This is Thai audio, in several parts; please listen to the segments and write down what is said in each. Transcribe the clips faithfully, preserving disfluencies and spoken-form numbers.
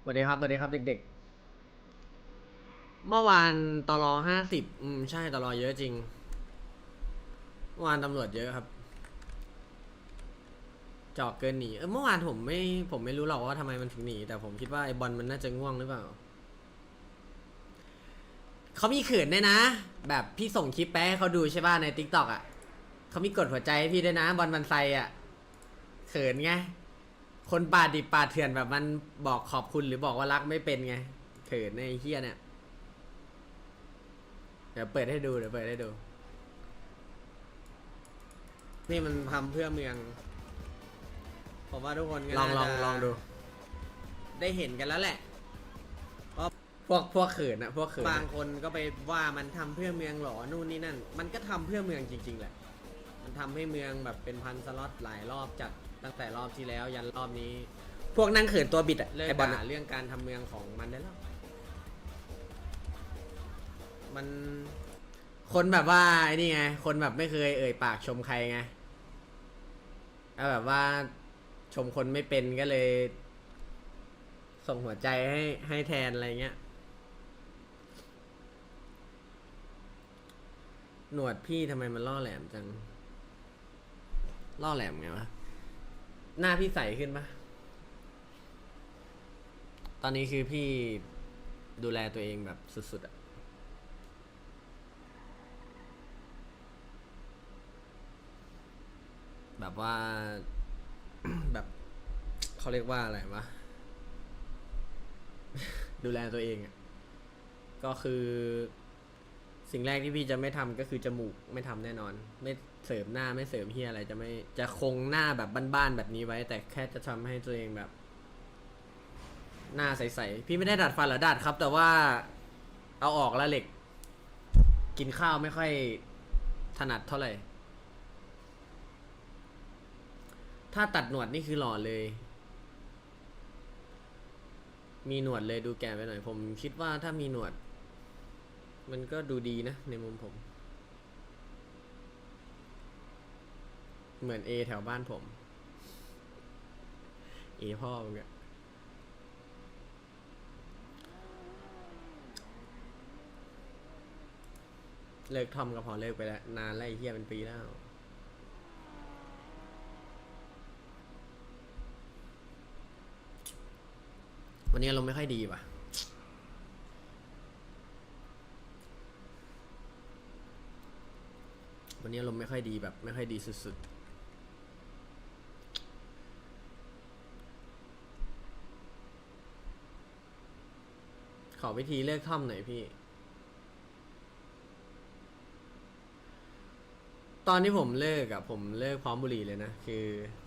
สวัสดีครับสวัสดีครับเด็กเมื่อวานตลอห้าสิบอืมใช่ตลอเยอะจริงเมื่อวานตำรวจเยอะครับจอกเกินหนีเออเมื่อวานผมไม่ผมไม่รู้หรอกว่าทำไมมันถึงหนีแต่ผมคิดว่าไอ้บอลมันน่าจะง่วงหรือเปล่าเขามีเขินด้วยนะแบบพี่ส่งคลิปไปให้เขาดูใช่ป่ะในทิกตอกอ่ะเขามีกดหัวใจให้พี่ด้วยนะบอลมันไซอ่ะเขินไงคนป่าดิบป่าเถื่อนแบบมันบอกขอบคุณหรือบอกว่ารักไม่เป็นไงเขินในไอ้เฮียเนี่ยเดี๋ยวเปิดให้ดูเดี๋ยวเปิดให้ดูนี่มันทำเพื่อเมืองผมว่าทุกคนก็ลองลองลองดูได้เห็นกันแล้วแหละ พวกพวกเขินอะพวกเขินบางคนก็ไปว่ามันทำเพื่อเมืองหรอนู่นนี่นั่นมันก็ทำเพื่อเมืองจริงๆแหละมันทำให้เมืองแบบเป็นพันสล็อตหลายรอบจัดตั้งแต่รอบที่แล้วยันรอบนี้ พวกนั่งเขินตัวบิดอะไอบอลเรื่องการทำเมืองของมันได้แล้วมันคนแบบว่าไอ้นี่ไงคนแบบไม่เคยเอ่ยปากชมใครไงแล้วแบบว่าชมคนไม่เป็นก็เลย ส่งหัวใจให้ให้แทนอะไรเงี้ยหนวดพี่ทำไมมันล่อแหลมจังล่อแหลมไงวะหน้าพี่ใสขึ้นปะตอนนี้คือพี่ดูแลตัวเองแบบสุดๆอะแบบว่า แบบเขาเรียกว่าอะไรวะดูแลตัวเองอะก็คือสิ่งแรกที่พี่จะไม่ทำก็คือจมูกไม่ทำแน่นอนไม่เสริมหน้าไม่เสริมเฮียอะไรจะไม่จะคงหน้าแบบบ้านๆแบบนี้ไว้แต่แค่จะทำให้ตัวเองแบบหน้าใสๆพี่ไม่ได้ดัดฟันหรอดัดครับแต่ว่าเอาออกแล้วเหล็กกินข้าวไม่ค่อยถนัดเท่าไหร่ถ้าตัดหนวดนี่คือหล่อเลยมีหนวดเลยดูแก่ไปหน่อยผมคิดว่าถ้ามีหนวดมันก็ดูดีนะในมุมผมเหมือนเอแถวบ้านผมเอพ่อมึงอะเลิกทอมก็พอเลิกไปแล้วนานแล้วไอ้เหี้ยเป็นปีแล้ววันนี้อารมณ์ไม่ค่อยดีว่ะวันนี้อารมณ์ไม่ค่อยดีแบบไม่ค่อยดีสุดๆขอวิธีเลิกทอมหน่อยพี่ตอนที่ผมเลิกอะผมเลิกพร้อมบุหรี่เลยนะคือ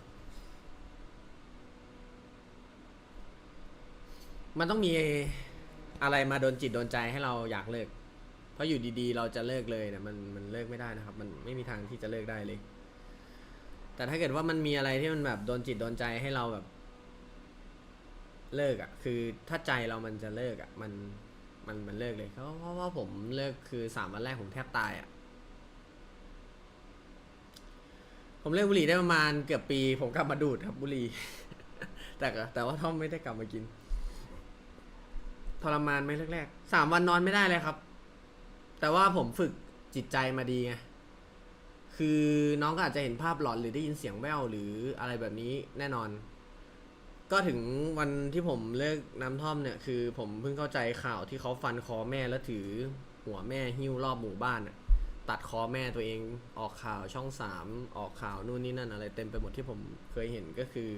มันต้องมีอะไรมาโดนจิตโดนใจให้เราอยากเลิกเพราะอยู่ดีๆเราจะเลิกเลยเนี่ยมันมันเลิกไม่ได้นะครับมันไม่มีทางที่จะเลิกได้เลยแต่ถ้าเกิดว่ามันมีอะไรที่มันแบบโดนจิตโดนใจให้เราแบบเลิกอ่ะคือถ้าใจเรามันจะเลิกอ่ะมันมันมันเลิกเลยเพราะเพราะว่าผมเลิกคือสามวันแรกผมแทบตายอ่ะผมเลิกบุหรี่ได้ประมาณเกือบปีผมกลับมาดูดครับบุหรี่แต่ก็แต่ว่าท่อมไม่ได้กลับมากินทรมานไหมแรกๆสามวันนอนไม่ได้เลยครับแต่ว่าผมฝึกจิตใจมาดีไงคือน้องก็อาจจะเห็นภาพหลอนหรือได้ยินเสียงแว่วหรืออะไรแบบนี้แน่นอนก็ถึงวันที่ผมเลิกน้ำท่อมเนี่ยคือผมเพิ่งเข้าใจข่าวที่เขาฟันคอแม่แล้วถือหัวแม่หิ้วรอบหมู่บ้านอะตัดคอแม่ตัวเองออกข่าวช่องสามออกข่าวนู่นนี่นั่นอะไรเต็มไปหมดที่ผมเคยเห็นก็คือ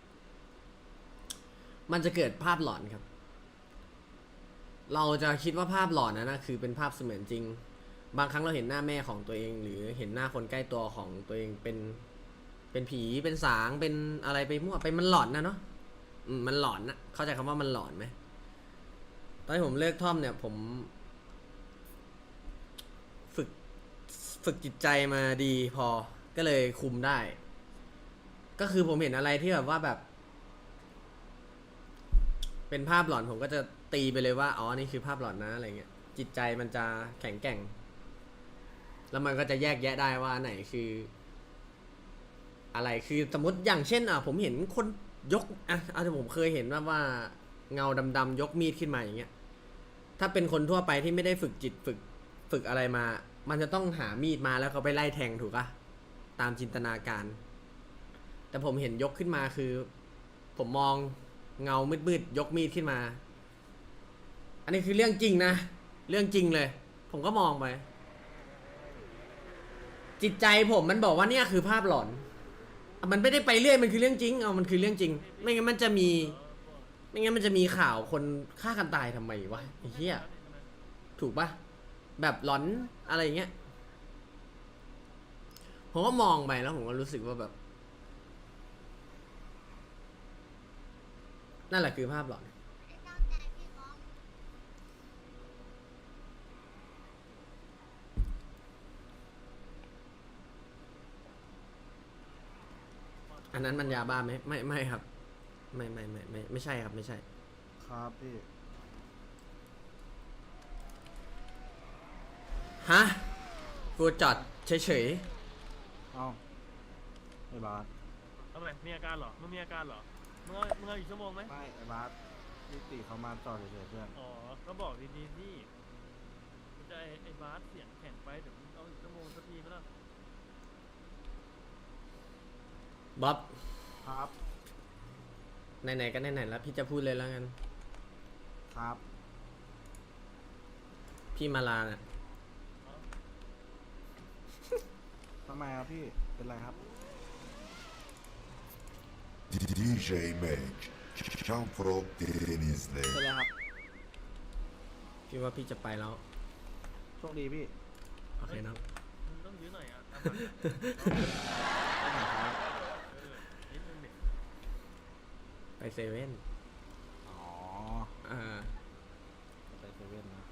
มันจะเกิดภาพหลอนครับเราจะคิดว่าภาพหลอนนั้นนะคือเป็นภาพเสมือนจริงบางครั้งเราเห็นหน้าแม่ของตัวเองหรือเห็นหน้าคนใกล้ตัวของตัวเองเป็นเป็นผีเป็นสางเป็นอะไรไปมั่วไปมันหลอนนะเนาะอืมมันหลอนนะเข้าใจคำว่ามันหลอนไหมตอนที่ผมเลิกท่อมเนี่ยผมฝึกฝึกจิตใจมาดีพอก็เลยคุมได้ก็คือผมเห็นอะไรที่แบบว่าแบบเป็นภาพหลอนผมก็จะตีไปเลยว่าอ๋อนี่คือภาพหลอนนะอะไรเงี้ยจิตใจมันจะแข็งแกร่งแล้วมันก็จะแยกแยะได้ว่าไหนคืออะไรคือสมมติอย่างเช่นอ่ะผมเห็นคนยกอ่ะอาจจะผมเคยเห็นว่าว่าเงาดำๆยกมีดขึ้นมาอย่างเงี้ยถ้าเป็นคนทั่วไปที่ไม่ได้ฝึกจิตฝึกฝึกอะไรมา มันจะต้องหามีดมาแล้วเขาไปไล่แทงถูกปะตามจินตนาการ แต่ผมเห็นยกขึ้นมาคือ ผมมองเงามืดๆยกมีดขึ้นมา อันนี้คือเรื่องจริงนะเรื่องจริงเลย ผมก็มองไป จิตใจผมมันบอกว่าเนี่ยคือภาพหลอน มันไม่ได้ไปเรื่อยมันคือเรื่องจริงเอามันคือเรื่องจริง ไม่งั้นมันจะมี ไม่งั้นมันจะมีข่าวคนฆ่ากันตายทำไมวะไอ้เหี้ยถูกปะแบบหลอนอะไรเงี้ยผมก็มองไปแล้วผมก็รู้สึกว่าแบบ นั่นแหละคือภาพหลอน อันนั้นมันยาบ้าไหมไม่ไม่ครับ ไม่ไม่ไม่ไม่ไม่ใช่ครับไม่ใช่ครับพี่ฮะกูจอดเฉยเอ้าไอ้บาสทำไมมีอาการเหรอมึงมีอาการเหรอมึงเอามึงเอาอีกชั่วโมงไหมไม่ไอ้บาสพี่ติเขามาจอดเฉยๆเพื่อนอ๋อ ก็บอกดีๆที่มึงจะไอ้ไอ้บาสเสียงแข็งไปเดี๋ยวมึงเอาอีกชั่วโมงสักทีไหมล่ะๆบ๊อบครับไหนๆก็ไหนๆแล้วพี่จะพูดเลยแล้วกันครับพี่มาลาน่ะทำไมครับพี่เป็นไรครับดี เจ Mage Jump Frog Denizli เป็นไรครับพี่ว่าพี่จะไปแล้วโชคดีพี่โอเคเนอะมึงต้องยื้อหน่อยอ่ะตามหลังอะไปไหนครับเออนิดนึงเด็กไปเซเว่นอ๋ออ่าไปเซเว่นนะ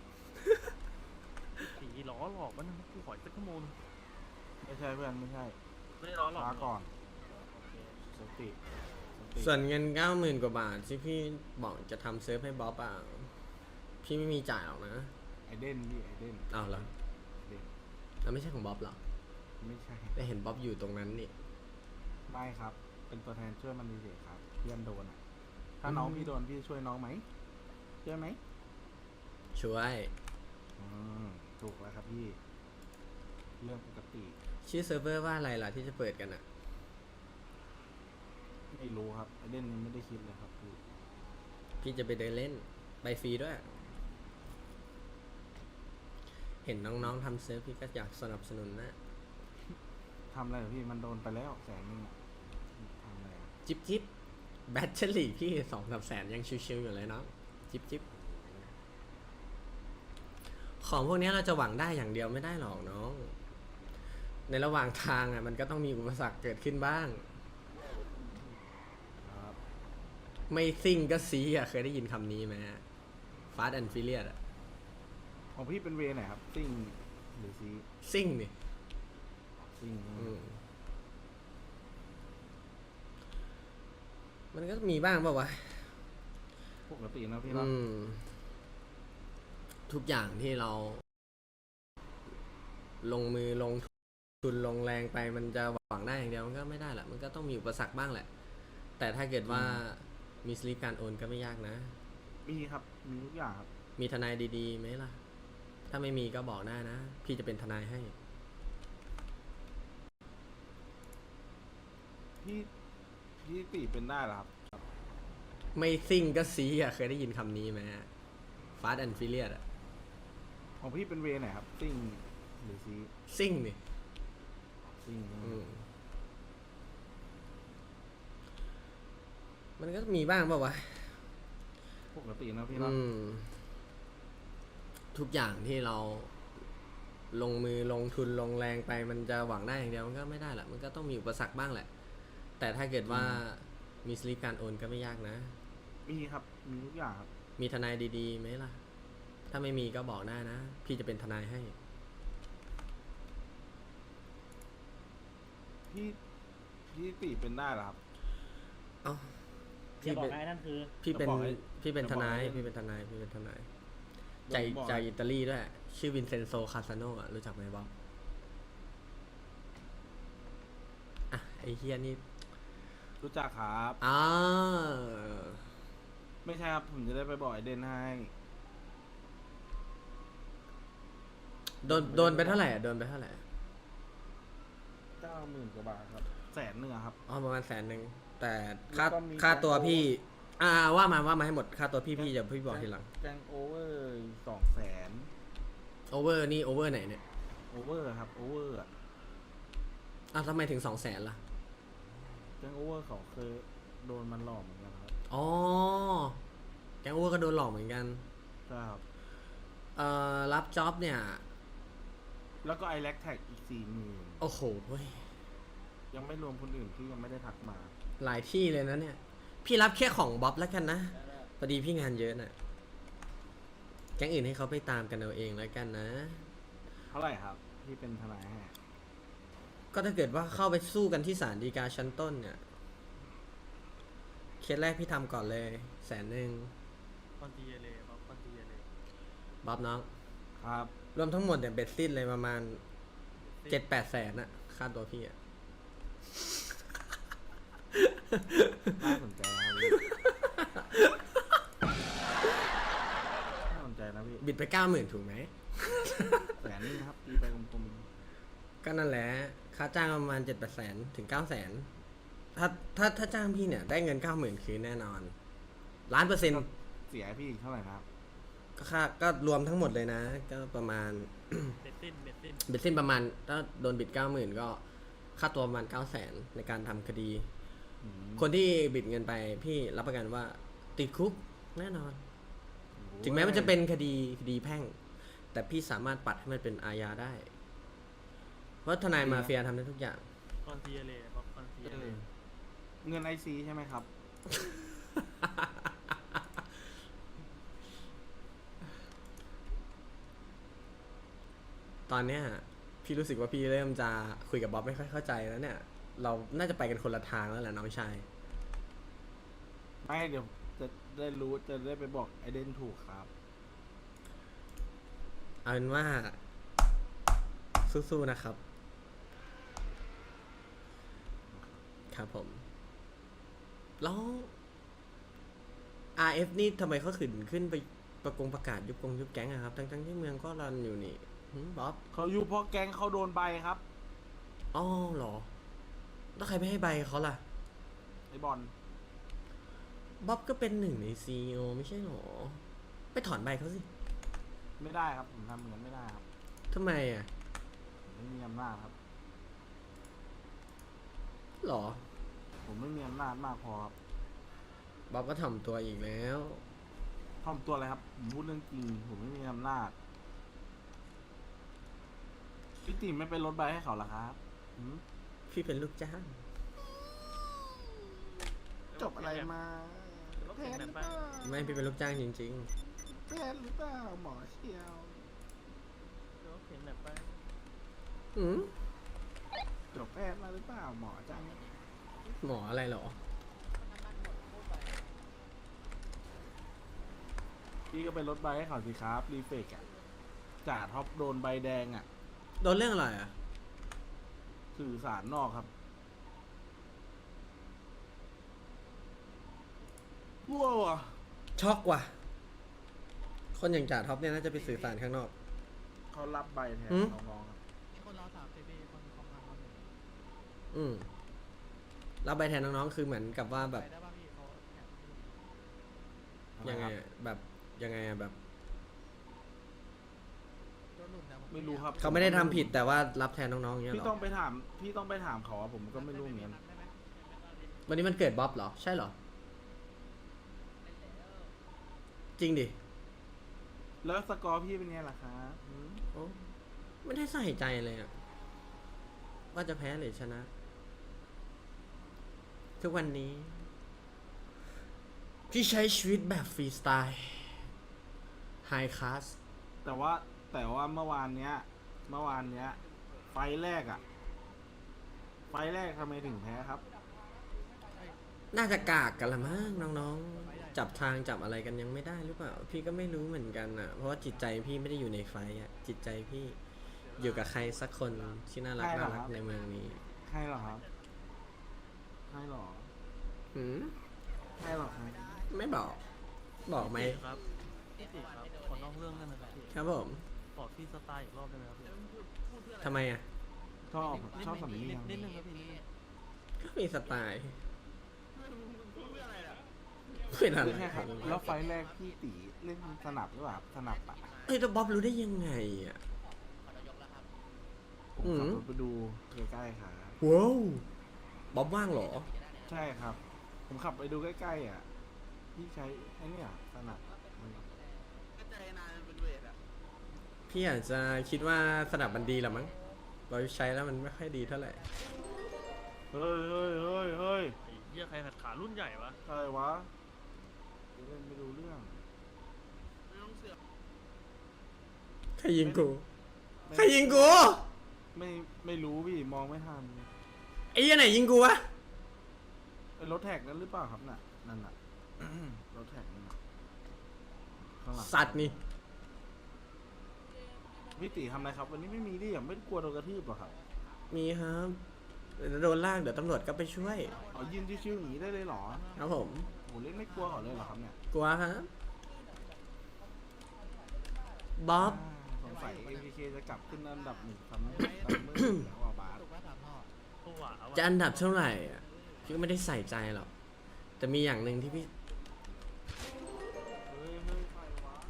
ผีล้อหลอกมันกูขออีกสักชั่วโมงนึงไม่ใช่เพื่อนไม่ใช่ไม่ได้ล้อหลอกช้าก่อนโอเคสติสติส่วนเงินเก้าหมื่นกว่าบาทที่พี่บอกจะทำเซิร์ฟให้บ๊อบอ่ะ พี่ไม่มีจ่ายหรอกนะไอเดนพี่ไอเดนอ้าวเหรอไอเดนแล้วไม่ใช่ของบ๊อบเหรอไม่ใช่ได้เห็นบ๊อบอยู่ตรงนั้นนี่ไม่ครับ เป็นตัวแทนช่วยมันเฉยๆครับ เพื่อนโดนอ่ะ ถ้าน้องอืมพี่โดนพี่ช่วยน้องไหมช่วยไหมช่วยอืมถูกแล้วครับพี่ เรื่องปกติชื่อเซิร์ฟเวอร์ว่าอะไรล่ะที่จะเปิดกันอ่ะไม่รู้ครับไอเดนยังไม่ได้คิดเลยครับพี่พี่จะไปเดินเล่น ไปฟรีด้วย เห็นน้องๆทำเซิร์ฟพี่ก็อยากสนับสนุนนะทำอะไรเหรอพี่มันโดนไปแล้วแสนนึงอะทำอะไรอะจิบจิบแบตเตอรี่พี่สองสามแสนยังชิวๆอยู่เลยเนาะจิบจิบของพวกนี้เราจะหวังได้อย่างเดียวไม่ได้หรอกน้อง ในระหว่างทางอ่ะมันก็ต้องมีอุปสรรคเกิดขึ้นบ้างครับไม่ซิ่งก็ซีอ่ะเคยได้ยินคำนี้ไหมฟาสต์แอนด์ฟิเลียอ่ะของพี่เป็นเวไหนครับซิ่งหรือซีซิ่งนี่ซิ่งใช่ไหมอืมมันก็มีบ้างเปล่าวะปกตินะพี่เนาะอืม ทุกอย่างที่เรา ลงมือลงทุนลงแรงไปมันจะหวังได้อย่างเดียวมันก็ไม่ได้แหละมันก็ต้องมีอุปสรรคบ้างแหละ แต่ถ้าเกิดว่ามีสลิปการโอนก็ไม่ยากนะมีครับมีทุกอย่างครับมีทนายดีๆไหมล่ะ ถ้าไม่มีก็บอกได้นะ พี่จะเป็นทนายให้พี่พี่ติเป็นได้เหรอครับไม่ซิ่งก็ซีอ่ะเคยได้ยินคำนี้ไหมฟาสต์แอนด์ฟิเลียอ่ะของพี่เป็นเวไหนครับซิ่งหรือซีซิ่งนี่ซิ่งใช่ไหมอืมมันก็มีบ้างเปล่าวะปกตินะพี่เนาะอืม ทุกอย่างที่เรา ลงมือลงทุนลงแรงไปมันจะหวังได้อย่างเดียวมันก็ไม่ได้แหละมันก็ต้องมีอุปสรรคบ้างแหละ แต่ถ้าเกิดว่ามีสลิปการโอนก็ไม่ยากนะมีครับมีทุกอย่างครับมีทนายดีๆไหมล่ะ ถ้าไม่มีก็บอกได้นะ พี่จะเป็นทนายให้พี่พี่ติเป็นได้เหรอครับเอ้าอย่าพี่บอเป็กนนะไอ้นั่นคือพี่เป็นจะบอกให้พี่เป็นจะทบอกนายให้พี่เป็นทนายพี่เป็นทนายจะใจบอกจากอิตาลีด้วย ชื่อวินเซนโซคาซาโนอ่ะรู้จักไหมบ๊อบอ่ะไอเฮียนี่รู้จักครับอ่าไม่ใช่ครับ ผมจะได้ไปบอกไอเดนให้โดนโดนไปเท่าไหร่อะโดนไปเท่าไหร่เก้าหมื่นกว่าบาทครับ แสนหนึ่งอะครับอ๋อประมาณแสนหนึ่งแต่ค่าแล้วก็มีค่าตัวแก๊งพี่ อ่าว่ามาว่ามาให้หมดค่าตัวพี่พี่จะพี่บอกทีหลังแกงโอเวอร์สองแสนโอเวอร์นี่โอเวอร์ไหนเนี่ยโอเวอร์ครับ โอเวอร์อะอ้าวทำไมถึงสองแสนล่ะแกงโอเวอร์เขาเคยโดนมันหลอกเหมือนกันครับอ๋อแกงโอเวอร์ก็โดนหลอกเหมือนกันใช่ครับเอ่อรับจ็อบเนี่ยแล้วก็ไอแลกแท็กอีกสี่หมื่นโอ้โหเว้ยยังไม่รวมคนอื่นที่ยังไม่ได้ทักมาหลายที่เลยนะเนี่ย พี่รับแค่ของบ๊อบแล้วกันนะพอดีพี่งานเยอะน่ะแก๊งอื่นให้เขาไปตามกันเอาเองแล้วกันนะเท่าไหร่ครับที่เป็นทนายให้ก็ถ้าเกิดว่าเข้าไปสู้กันที่ศาลฎีกาชั้นต้นเนี่ยเคสแรกพี่ทำก่อนเลยแสนหนึ่งคอนตีเลยบ๊อบคอนตีเลยบ๊อบน้องครับรวมทั้งหมดเนี่ยเบ็ดสิ้นเลยประมาณเจ็ดแปดแสนอะค่าตัวพี่อะน่าสนใจครับพี่น่าสนใจนะพี่บิดไปเก้าหมื่นถูกไหมแสนนึงครับตีไปกลมก็นั่นแหละค่าจ้างประมาณเจ็ดแปดแสนถึงเก้าแสนถ้าถ้าถ้าจ้างพี่เนี่ยได้เงินเก้าหมื่นคืนแน่นอนล้านเปอร์เซ็นต์ๆเสียให้พี่อีกเท่าไหร่นะครับก็ค่าก็รวมทั้งหมดเลยนะ ก็ประมาณเบ็ดสิ้นเบ็ดสิ้นเบ็ดสิ้นประมาณถ้าโดนบิดเก้าหมื่นก็ค่าตัวประมาณเก้าแสนในการทำคดีอืมคนที่บิดเงินไปพี่รับประกันว่าติดคุกแน่นอน ถึงแม้มันจะเป็นคดีคดีแพ่ง แต่พี่สามารถปัดให้มันเป็นอาญาได้ เพราะทนายมาเฟียทำได้ทุกอย่างคอนตีเลยบ๊อบคอนตีเอเลอย เงินไอซีใช่ไหมครับตอนเนี้ยพี่รู้สึกว่าพี่เริ่มจะคุยกับบ๊อบไม่ค่อยเข้าใจแล้วเนี่ย เราน่าจะไปกันคนละทางแล้วแหละน้องชายไม่เดี๋ยวจะได้รู้จะได้ไปบอกไอเดนถูกครับเอาเป็นว่า สู้ๆนะครับ ครับผม แล้ว อาร์ เอฟ นี่ทำไมเขาขึ้นขึ้นไปประกงประกาศยุบกงยุบแก๊งอะครับ ทั้งๆที่เมืองก็รันอยู่นี่หืมบ๊อบเขาอยู่เพราะแก๊งเขาโดนใบครับอ๋อเหรอ แล้วใครไม่ให้ใบเขาล่ะไอบอลบ๊อบก็เป็นหนึ่งในซีอีโอไม่ใช่หรอ ไปถอนใบเขาสิไม่ได้ครับ ผมทำเหมือนไม่ได้ครับทำไมอ่ะผมไม่มีอำนาจครับหรอผมไม่มีอำนาจมากพอครับบ๊อบก็ถ่อมตัวอีกแล้วทำตัวอะไรครับ ผมพูดเรื่องจริง ผมไม่มีอำนาจพี่ติไม่ไปลดใบให้เขาเหรอครับหืมพี่เป็นลูกจ้างจบอะไรมาบ๊อบแข่งไหนไปไม่พี่เป็นลูกจ้างจริงแพทย์หรือเปล่าหมอเชียวบ๊อบแข่งไหนไปๆ อืมจบแพทย์มาหรือเปล่าหมอจังหมออะไรเหรอพี่ก็ไปลดใบให้เขาสิครับ รีเฟกอะจ่าท็อปโดนใบแดงอะโดนเรื่องอะไรอ่ะสื่อสารนอกครับว้าวอะช็อกว่ะ คนอย่างจ่าท็อปเนี่ยน่าจะไปสื่อสารข้างนอกเขารับใบแทนหืมน้องๆครับมีคนรอสามเจบีคนคอมพาร์ตอืมรับใบแทนน้องๆ คือเหมือนกับว่าแบบไปได้ป่ะพี่เขาแข่งยังไงอะแบบยังไงอะแบบโดนหลุดนะไม่รู้ครับเขาไม่ได้ทำผิดแต่ว่ารับแทนน้องๆเงี้ยพี่เหรต้อองไปถาม พี่ต้องไปถามเขาอะผมก็ไม่รู้เหมือนกันวันนี้มันเกิดบ๊อบเหรอ ใช่เหรอ จริงดิแล้วสกอร์พี่เป็นไงล่ะครับหืมโอ้ไม่ได้ใส่ใจเลยอะว่าจะแพ้หรือชนะ ทุกวันนี้ พี่ใช้ชีวิตแบบฟรีสไตล์ไฮคลาสแต่ว่าแต่ว่าเมื่อวานเนี้ย เมื่อวานเนี้ย ไฟล์แรกอะไฟล์แรกทำไมถึงแพ้ครับน่าจะกากกันละมั้งน้องๆ จับทางจับอะไรกันยังไม่ได้หรือเปล่า พี่ก็ไม่รู้เหมือนกันอ่ะ เพราะว่าจิตใจพี่ไม่ได้อยู่ในไฟอ่ะ จิตใจพี่อยู่กับใครสักคนที่น่ารักใช่เหรน่าอรัคกรับในเมืองนี้ให้เหรอครับ ให้เหรอหืมให้เหรอครับไม่บอกบอกไหมพี่ติครับพี่ติครับขอนอกเรื่องได้ไหมครับพี่ครับผมขอพี่สไตล์อีกรอบได้ไหมครับพี่ทำไมอ่ะชอบนิดชอบนึสัมงลีนิดยังนิดนึงครับพี่นิดนึงก็มีสไตล์เป็นอะไรไม่ใช่ครับแล้วไฟล์แรกพี่ตีเล่นสนับหรือเปล่าสนับอะเฮ้ยแล้วบ๊อบรู้ได้ยังไงอ่ะผมอืมขับรถไปดูใกล้ๆครับว้าวบ๊อบว่างเหรอใช่ครับ ผมขับไปดูใกล้ๆอ่ะพี่ใช้ไอ้เนี่ยสนับมันพี่อาจจะคิดว่าสนับมันดีหรอมั้งเราใช้แล้วมันไม่ค่อยดีเท่าไหร่เฮ้ยเฮ้ยเฮ้ยเฮ้ยไอ้เหี้ยใครขัดขารุ่นใหญ่วะอะไรวะเล่นไม่รู้เรื่องใครยิงกูไม่ใครยิงกูไม่ไม่รู้พี่มองไม่ทันไอ้ยันไหนยิงกูวะไอ้รถแท็กนั้นหรือเปล่าครับน่ะนั่นน่ะ รถแท็กนั่นน่ะข้างหลังสัตว์นี่พี่ตีทำอะไรครับ วันนี้ไม่มีดิอย่างไม่กลัวโดนกระทืบหรอครับมีครับเดี๋ยวโดนลากเดี๋ยวตำรวจก็ไปช่วยอ๋อยืนชิวๆอย่างนี้ได้เลยเหรอครับผมโหเล่นไม่กลัวเขาเลยเหรอครับเนี่ยกลัวครับบ๊อบอ่าสงสัย เอ็ม พี เค จะกลับขึ้นอันดับหนึ่งซัมเมอร์ซัมเมอร์แล้วอ่ะบาสตัวหวาจะวะอันดับเท่าไหร่อ่ะพี่ก็ไม่ได้ใส่ใจหรอกแต่มีอย่างหนึ่งที่พี่เฮ้ยเฮ้ยใครวะ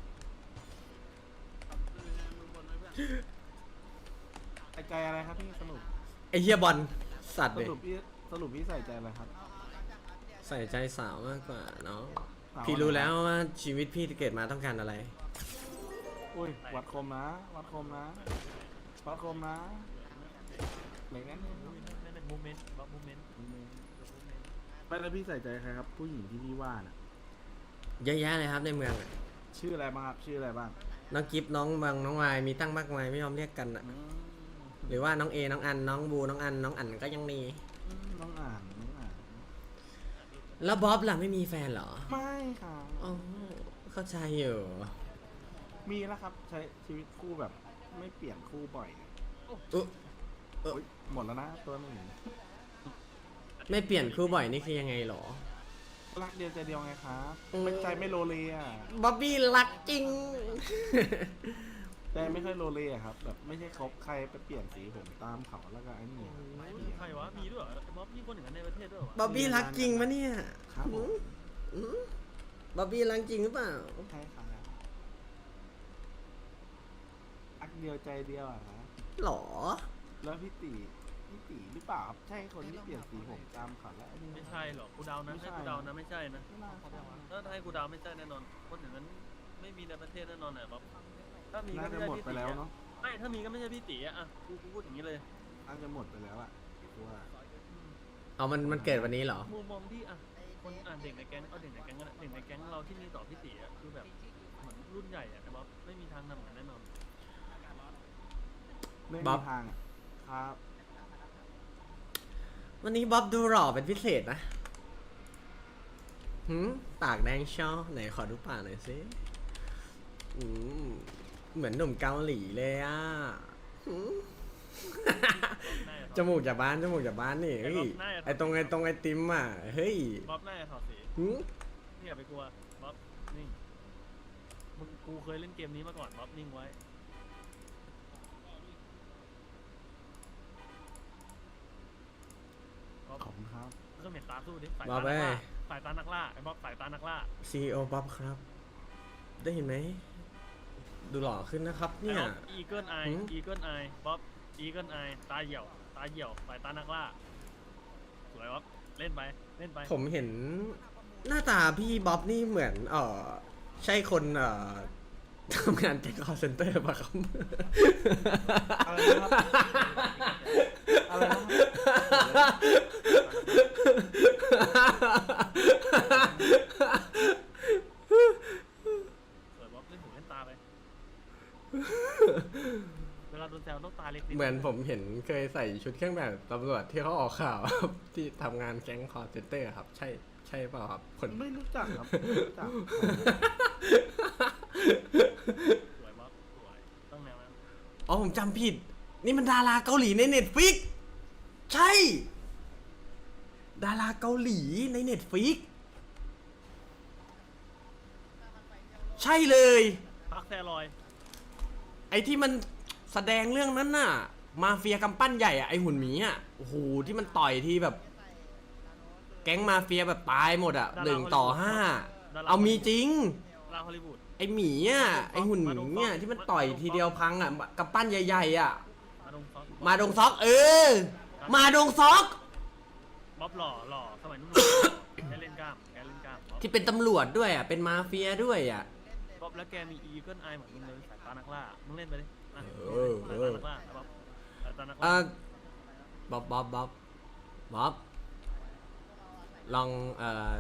ใส่ใจอะไรครับพี่สรุปไอ้เฮียบอลสัตว์สเลยรุปพี่สรุปพี่ใส่ใจอะไรครับใส่ใจสาวมากกว่าเนาะสาวพี่รู้แล้วว่าชีวิตพี่เกิดมาต้องการอะไรอุ้ยวัดคมนะ วัดคมนะ วัดคมนะไหนนั่นนั่นเป็นโมเมนต์บัฟโมเมนต์ไม่แล้วพี่ใส่ใจใครครับ ผู้หญิงที่พี่ว่าน่ะเยอะแยะเลยครับในเมืองอะชื่ออะไรบ้างครับชื่ออะไรบ้างน้องกิฟน้องบางน้องวายมีตั้งมากมายไม่ยอมเรียกกันอะอืมหรือว่าน้องเอน้องอันน้องบูน้องอันน้องอันก็ยังมีน้องอ่านน้องอ่านแล้วบ๊อบล่ะไม่มีแฟนเหรอไม่ค่ะอ๋อเข้าใจอยู่มีแล้วครับ ใช้ชีวิตคู่แบบไม่เปลี่ยนคู่บ่อยอุ๊ยอุ๊ยหมดแล้วนะตัวหนึ่งไม่เปลี่ยนคู่บ่อยนี่คือยังไงเหรอรักเดียวใจเดียวไงครับอืมไม่ใจไม่โลเลอ่ะบ๊อบบี้รักจริงใจไม่ค่อยโลเลอะครับ แบบไม่ใช่คบใครไปเปลี่ยนสีผมตามเขาแล้วก็ไอ้นี่ใครวะ มีด้วยเหรอบ๊อบมีคนอย่างนั้นในประเทศด้วยเหรอวะบ๊อบบี้รักจริงปะเนี่ยครับผมอืมบ๊อบบี้รักจริงหรือเปล่าใช่ครับรักเดียวใจเดียวอะครับหรอแล้วพี่ตีพี่ตีหรือเปล่าครับใช่คนที่เปลี่ยนสีผมตามเขาแล้วไอ้นี่ไม่ใช่หรอกกูเดานะไม่ใช่ให้กูเดานะไม่ใช่นะไม่น่าใช่วะถ้าให้กูเดาไม่ใช่แน่นอน คนอย่างนั้นไม่มีในประเทศแน่นอนไหนบ๊อบถ้ามีก็น่าไม่จะใช่หมดพี่ไปตีแล้วอะเนาะไม่ถ้ามีก็ไม่ใช่พี่ตีอะอ่ะกูกูพูดอย่างนี้เลยน่าจะหมดไปแล้วอะว่าเอามันมันเกิดวันนี้เหรอมุมมองที่อ่ะคนอ่านเด็กในแก๊งเอาเด็กในแก๊งก็ได้เด็กในแก๊งเราที่มีต่อพี่ตีอ่ะคือแบบเหมือนรุ่นใหญ่อ่ะแต่ว่าไม่มีทางทำอย่างนั้นแน่นอนไม่บ๊มีอบทางอะครับวันนี้บ๊อบดูหล่อเป็นพิเศษนะหืมปากแดงช่อไหนขอดูปากหน่อยสิอืมเหมือนหนุ่มเกาหลีเลยอ่ะหืม จมูกจากบ้านจมูกจากบ้านนี่เฮ้ยไอตรงไอตรงไอติมอ่ะเฮ้ยบ๊อบหน้าจะถอดสีหืมนี่อย่าไปกลัวบ๊อบนิ่งมึงกูเคยเล่นเกมนี้มาก่อนบ๊อบนิ่งไว้บ๊อบขอบคุณครับก็เหม็นตาสู้ดิสายบ๊อตาบนัเอ้กล่าย สายตานักล่าไอ้บ๊อบสายตานักล่าซีอีโอบ๊อบครับ ได้เห็นไหม ดูหล่อขึ้นนะครับไอ้เนี่ยบ๊อบอีเกิลไอหืมอีเกิลไอบ๊อบอีเกิลไอตาเหี่ยวตาเหี่ยวสายตานักล่าสวยบ๊อบเล่นไปเล่นไปผมเห็นหน้าตาพี่บ๊อบนี่เหมือน เออใช่คนเอ่อทำงานแก๊งคอร์เซนเตอร์ป่ะครับอะไรนะครับ อะไรนะครับสวยบ๊อบเล่นหูเล่นตาไป เวลาโดนแซวต้องตาเล็กนิดเหมือนผมเห็นเคยใส่ชุดเครื่องแบบตำรวจที่เขาออกข่าว ครับที่ทำงานแก๊งคอร์เซนเตอร์ครับ ใช่ใช่เปล่าครับคนไม่รู้จักครับไม่รู้จักสวยบ๊อบสวยต้องแนวนั้นอ๋อผมจำผิด นี่มันดาราเกาหลีในเน็ตฟิกใช่ ดาราเกาหลีในเน็ตฟิกใช่เลยพักแซลอยไอ้ที่มันแสดงเรื่องนั้นน่ะ มาเฟียกำปั้นใหญ่อะไอ้หุ่นหมีอะโอ้โหที่มันต่อยที่แบบ แก๊งมาเฟียแบบตายหมดอะหนึ่งต่อห้าเอามีจริงลาฮอลลีวูดไอ้หมีอ่ะไอ้หุ่นหมีอ่ะที่มันต่อยทีเดียวพังอ่ะกำปั้นใหญ่ๆอ่ะมาดงซอกมาดงซอกเออ มาดงซอกบ๊อบหล่อหล่อสมัยนู้นแกเล่นกล้ามแกเล่นกล้ามบ๊อบที่เป็นตำรวจด้วยอ่ะเป็นมาเฟียด้วยอ่ะบ๊อบแล้วแกมีอีเกิลไอเหมือนมึงเลยสายตานักล่ามึงเล่นไปดิอ่ะเออเออสายตานักล่าบ๊อบสายตานักอ่ะล่าบ๊อบบ๊อบบ๊อบบ๊อบลองเอ่อ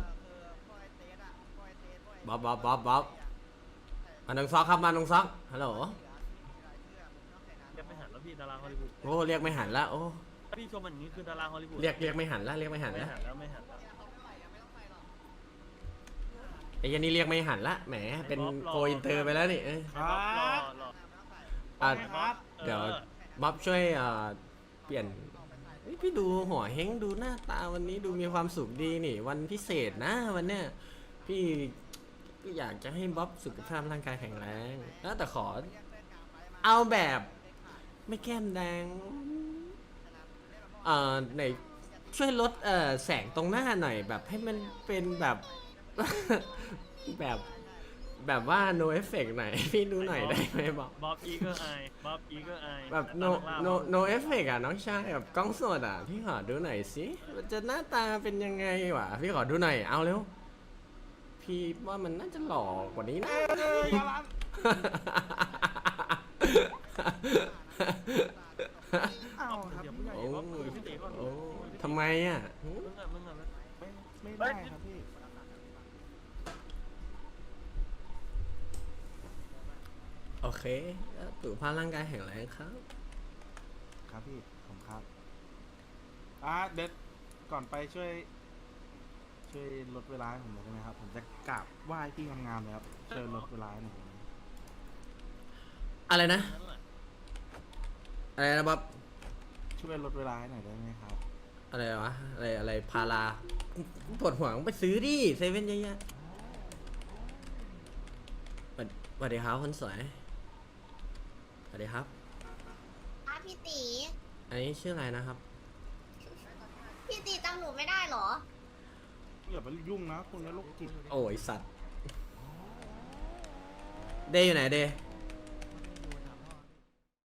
บ๊อบบ๊อบบ๊อบบ๊อบมาดงซอกครับมาดงซอกฮัลโหลเรียกไม่หันแล้วพี่ดาราฮอลลีวูดโอ้เรียกไม่หันละโอ้ถ้าพี่ชมมันอย่างนี้คือดาราฮอลลีวูดเรียกเรียกไม่หันละเรียกไม่หันไม่ละหันแล้วไม่หันแล้วไอ้ยันนี่เรียกไม่หันละแหมเป็นโกอินเตอร์ไปแล้วนี่เออครับ๊อบหล่อบ หล่ออ่ะครับเดี๋ยวออบ๊อบช่วยเอ่อเปลี่ยนเฮ้ยพี่ดูหัวเฮงดูหน้าตาวันนี้ดูมีความสุขดีนี่ วันพิเศษนะวันเนี้ยพี่ก็อยากจะให้บ๊อบสุขภาพร่างกายแข็งแรงแล้วแต่ขอ เอาแบบไม่แก้มแดงเอ่อไหนช่วยลดเอ่อแสงตรงหน้าหน่อยแบบให้มันเป็นแบบ แบบแบบว่า no effect หน่อยพี่ดูหน่อยได้ไหมบ๊อบบ๊อบอีเกิลไอบ๊อบอีเกิลไอแบบ no no no effect อ่ะน้องชายแบบกล้องสดอ่ะพี่ขอดูหน่อยสิมันจะหน้าตาเป็นยังไงวะพี่ขอดูหน่อยเอาเร็วพี่ว่ามันน่าจะหล่อกว่านี้นะเออร้าน เอาครับเดี๋ยวผู้ใหญ่โอ้บ๊อบคุยกับพี่ตีก่อนโอ้ทำไมอ่ะหึมึงอ่ะมึงอ่ะไม่ไม่ได้ครับพี่โอเคแล้วสุขภาพร่างกายแข็งแรงครับครับพี่ผมครับอ่ะเด็ดก่อนไปช่วย ช่วยลดเวลาให้ผมหน่อยได้ไหมครับ ผมจะกราบไหว้พี่งามๆเลยครับช่วยลดเวลาให้หน่อยได้ไหมอะไรนะนั่นแหละอะไรนะบ๊อบช่วยลดเวลาให้หน่อยได้ไหมครับอะไรวะอะไรอะไรพาราปวดหัวมึงไปซื้อดิเซเว่นเยอะๆสวัสสวัสดีครับคนสวยสวัสดีครับอ่ะพี่ตีอันนี้ชื่ออะไรนะครับพี่ตีจำหนูไม่ได้เหรออย่าไปยุ่งนะคุณนี้โรคจิตโอ้ยสัตว์ เดย์อยู่ไหนเดย์